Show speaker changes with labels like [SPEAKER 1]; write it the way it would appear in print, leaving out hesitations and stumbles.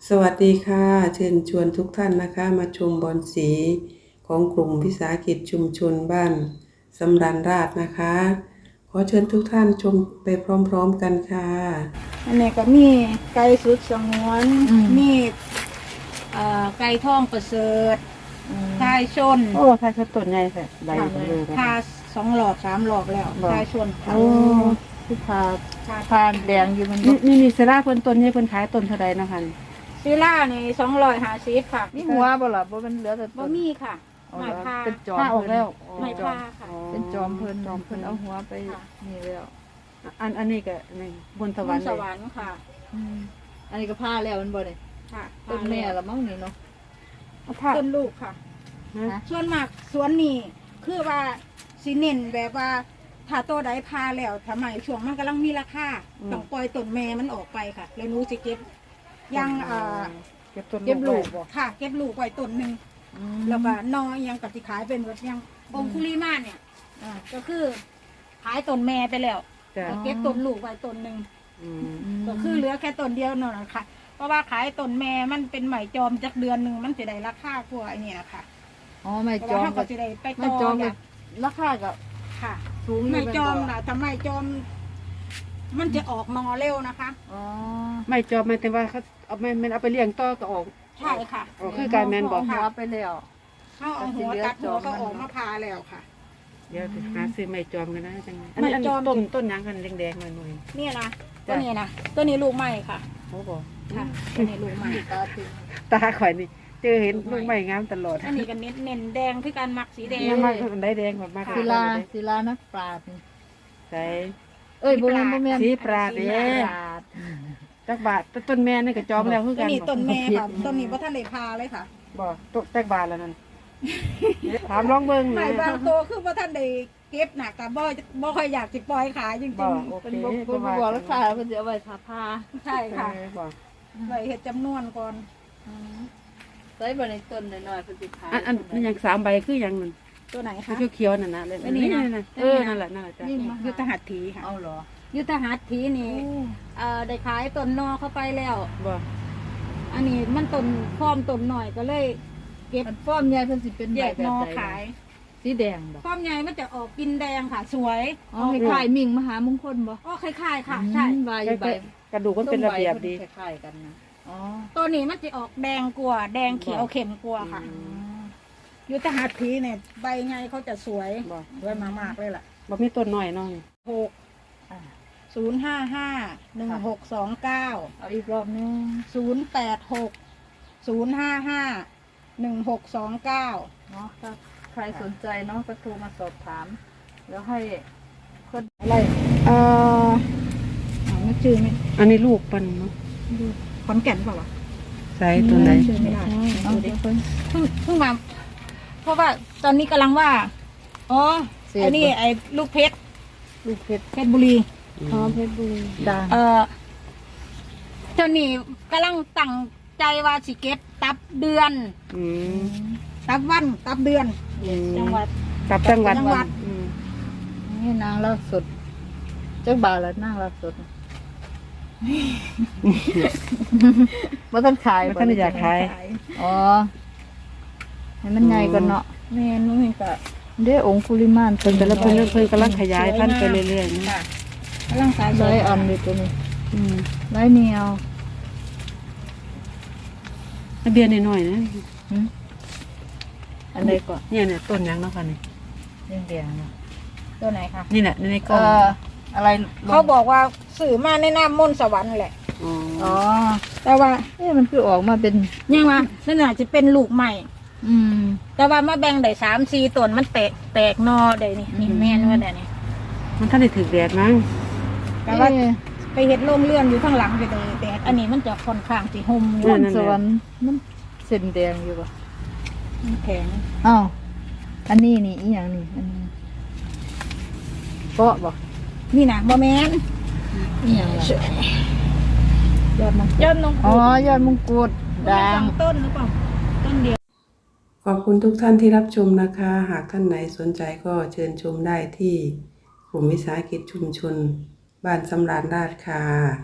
[SPEAKER 1] สวัสดีค่ะเชิญชวนทุกท่านนะคะมาชมบอนสีของกลุ่มวิสาหกิจชุมชนบ้านสำราญราษฎร์นะคะขอเชิญทุกท่านชมไปพร้อมๆกันค่ะ
[SPEAKER 2] อันนี้ก็มีไก่สุดสงวนมีไก่ทองประเสริฐทายชน
[SPEAKER 1] โอ้ทายชนต้นใหญ่แท้ใบเลย
[SPEAKER 2] ทา2 หลอก 3 หลอกแล้วทายชน
[SPEAKER 1] โอ้คือ
[SPEAKER 3] พาแดงอยู่มัน
[SPEAKER 1] นี่เซราเพิ่นต้นใหญ่เพิ่นขายต้นเท่าใดนะคะ
[SPEAKER 2] ซีล่านี่250ค่ะ
[SPEAKER 3] นี่หัวบ่ล่ะบ่มันเหลือแต่
[SPEAKER 2] บ่มีค่ะไม้พา
[SPEAKER 3] เป็นจอม
[SPEAKER 1] ออกแล้ว
[SPEAKER 2] ไม้พาค่ะ
[SPEAKER 3] เป็นจอมเพิ่นเอาหัวไปนี่แล้ว
[SPEAKER 1] อันนี้ก็นี่บนสวรรค์
[SPEAKER 2] ค่ะ
[SPEAKER 3] อันนี้ก็ผ้าแล้วมันบ่ได้
[SPEAKER 2] ค่ะ
[SPEAKER 3] ต้นแม่ละมั้งนี่เนาะ
[SPEAKER 2] ต้นลูกค่ะส่วนมากสวนนี่คือว่าสิเน้นแบบว่าถ้าตัวใดพาแล้วทำไมช่วงมันกำลังมีราคาต้องปล่อยต้นแม่มันออกไปค่ะแล้วหนูสิเก็บยัง
[SPEAKER 1] เก็บ
[SPEAKER 2] ลูกค่ะเก็บลูกไว้ต้นหนึ่งแล้วก็นอยังกับที่ขายเป็นแบบยังองคุลีมาเนี่ยก็คือขายต้นแม่ไปแล้วเก็บต้นลูกไว้ต้นหนึ่งก็คือเหลือแค่ต้นเดียวนั่นแหละค่ะเพราะว่าขายต้นแม่มันเป็นไหมจอมจากเดือนหนึ่งมันจะได้ราคากว่าไอ้นี่ค่ะ
[SPEAKER 3] อ๋อไหมจอม
[SPEAKER 2] ก็จะได้ไปต่อ
[SPEAKER 3] ราคาก็
[SPEAKER 2] ค่ะสูงไหมจอมนะทำไมจอมมันจะออกนอเร็วนะคะ
[SPEAKER 3] อ๋อ
[SPEAKER 1] ไม่จอมหมายถึงว่าเขาเอามันเอาไปเลี้ยงต่อก็ออก
[SPEAKER 2] ใช่ค่ะ
[SPEAKER 1] คือการแมนบอก
[SPEAKER 3] หัวไปแล้ว
[SPEAKER 2] เขาเอาหัวตัดหัวก็ออกมาพาแล้วค่ะ
[SPEAKER 1] เดี๋ยวหาซื้อไม่จอมกันนะจังไม่จอมต้นยังกันแดงๆหน่อย
[SPEAKER 2] ๆนี่นะตัวนี้นะตัวนี้ลูกใหม่ค่ะ
[SPEAKER 1] โอ้โห
[SPEAKER 2] ค่ะตัวนี้ลูกใหม่
[SPEAKER 1] ตาข่อยนี่เจอเห็นลูกใหม่งามตลอด
[SPEAKER 2] อันนี้กันเน้นแดงคือการมักสีแดง
[SPEAKER 1] มากได้แดงแบบมาก
[SPEAKER 3] ศิลานักปราชญ์
[SPEAKER 1] ใช่
[SPEAKER 3] บ่แม่น
[SPEAKER 1] สีปราดเด้จักบาทต้นแม่นี่ก็จอมแล้วคือกัน
[SPEAKER 2] นี่ต้นแม่ค่ะต้นนี้บ่ทันได้พาเลยค่ะ
[SPEAKER 1] บ่ตกจักบาทแล้วนั่นถามลองเบิ่ง
[SPEAKER 2] นะบางโตคือบ่ทันได้เก็บน่ะก็บ่ค่อยอยากสิปล่อยขายจริง
[SPEAKER 1] ๆ
[SPEAKER 3] เป็นบ่บอกราคาเพิ่นสิเอาไว้พา
[SPEAKER 2] ใช่ค่ะไว้เฮ็ดจำนวนก่อน
[SPEAKER 3] ใส่บ่ในต้นน้อยๆเพิ่นสิขาย
[SPEAKER 1] อันอย่าง3ใบคืออย่างนั้น
[SPEAKER 2] ตัวไหนคะ
[SPEAKER 1] เขียวๆนั่นน่ะนี่นั่นแหละจ้ะ
[SPEAKER 2] ยุทธหัตถีค่ะ
[SPEAKER 3] เอาเหรอ
[SPEAKER 2] ยุทธหัตถีนี่ได้ขายต้นนอเข้าไปแล้ว
[SPEAKER 1] บ่
[SPEAKER 2] อันนี้มันต้นพร้อมต้นหน่อยก็เลยเก็บ
[SPEAKER 3] ฟ้อมใหญ่เพิ่นสิเป็น
[SPEAKER 2] แยกนอขาย
[SPEAKER 3] สีแดงบ่
[SPEAKER 2] ฟ้อมใหญ่มันจะออกกินแดงค่ะสวย
[SPEAKER 3] อ๋อคล้ายๆมิ่งมหามงคลบ่
[SPEAKER 2] อ๋อคล้ายๆค่ะใช่
[SPEAKER 3] ใบ
[SPEAKER 1] กระดูกมันเป็นระเบียบดี
[SPEAKER 3] คล้ายๆกันนะ
[SPEAKER 2] อ๋อตัวนี้มันจะออกแดงกว่าแดงเขียวเข้มกว่าค่ะยุทธหัตถีเนี่ยใบไงเขาจะสวยมากเลยล่ะ
[SPEAKER 1] บ่มีต้นน้อยน้อย
[SPEAKER 2] 0551629
[SPEAKER 3] เอาอีกรอบนึง
[SPEAKER 2] 08605511629
[SPEAKER 3] เนาะถ้าใครสนใจเนาะก็โทรมาสอบถามแล้วให้คนอะไร
[SPEAKER 2] ไม่ชื่อไหม
[SPEAKER 1] อันนี้ลูกปันเนาะ
[SPEAKER 2] ขอนแก่นเปล่าวะ
[SPEAKER 1] ใช่ตัวไหน
[SPEAKER 2] ชื่อไม่ได้เพิ่งมาเพราะว่าตอนนี้กำลังว่าอ๋อไอ้นี่ไอ้ลูกเพชรเพชรบุรี
[SPEAKER 3] เพชรบุรี
[SPEAKER 2] ดังเจ้านี่กำลังตั้งใจว่าสิเก็บตับเดือนตับวันตับเดือนจังหวัด
[SPEAKER 1] ตับจังหวัด
[SPEAKER 3] นี่นางลาบสดเจ้าบ่าวแล้วนางลาบสดว่าท่านขาย
[SPEAKER 1] ท่านอยากขาย
[SPEAKER 3] อ๋อให้มันใหญ่ก่อนเนาะ
[SPEAKER 2] แม่นุ่งก็
[SPEAKER 3] ได้องคุลิมาน
[SPEAKER 1] เป็นแต่ละเพิ่นกำลังขยายพันธุ์ไปเรื่อยๆ
[SPEAKER 2] ค่ะกำลังขาย
[SPEAKER 3] ไล่อันเลยตัวนี้ไล่เนียว
[SPEAKER 1] เบียร์น้อยๆนะ
[SPEAKER 3] อันไหนก่อน
[SPEAKER 1] เนี่ยต้นยังเนาะค่ะนี่
[SPEAKER 3] แดงๆเนาะ
[SPEAKER 2] ตัวไหนคะ
[SPEAKER 1] นี่แหละในกล่อง
[SPEAKER 3] อะไร
[SPEAKER 2] เขาบอกว่าสื่อมาในน้ำมนต์สวรรค์แหละ
[SPEAKER 3] อ๋อ
[SPEAKER 2] แต่ว่า
[SPEAKER 3] มันคือออกมาเป็น
[SPEAKER 2] ยังไงนั่นอาจจะเป็นลูกใหม่แต่ว่ามาแบ่งได้3-4ต้นมันแตกนอได้นี่แม่นว่าได้นี่
[SPEAKER 1] มันท่านได้ถือแดดมั้ง
[SPEAKER 2] แต่ว่าไปเห็ดโล่งเลื่อนอยู่ข้างหลังไปเลยแดดอันนี้มันจะค่อนข้างสีห่มอยู่
[SPEAKER 3] สวรรค์มันเส้นแดงอยู่ป่ะ
[SPEAKER 2] มันแข็ง
[SPEAKER 3] อ้าวอันนี้นี่อีอย่างนี้อันนี้เกาะบ่
[SPEAKER 2] นี่นะบ่แม่น
[SPEAKER 3] อีอย่าง
[SPEAKER 2] ยอดมงกุฎ
[SPEAKER 3] อ๋อยอดมงกุฎ
[SPEAKER 2] ด่างต้นหรือเปล่าต้นเดียว
[SPEAKER 1] ขอบคุณทุกท่านที่รับชมนะคะหากท่านไหนสนใจก็เชิญชมได้ที่กลุ่มวิสาหกิจชุมชนบ้านสำราญราษฎร์ค่ะ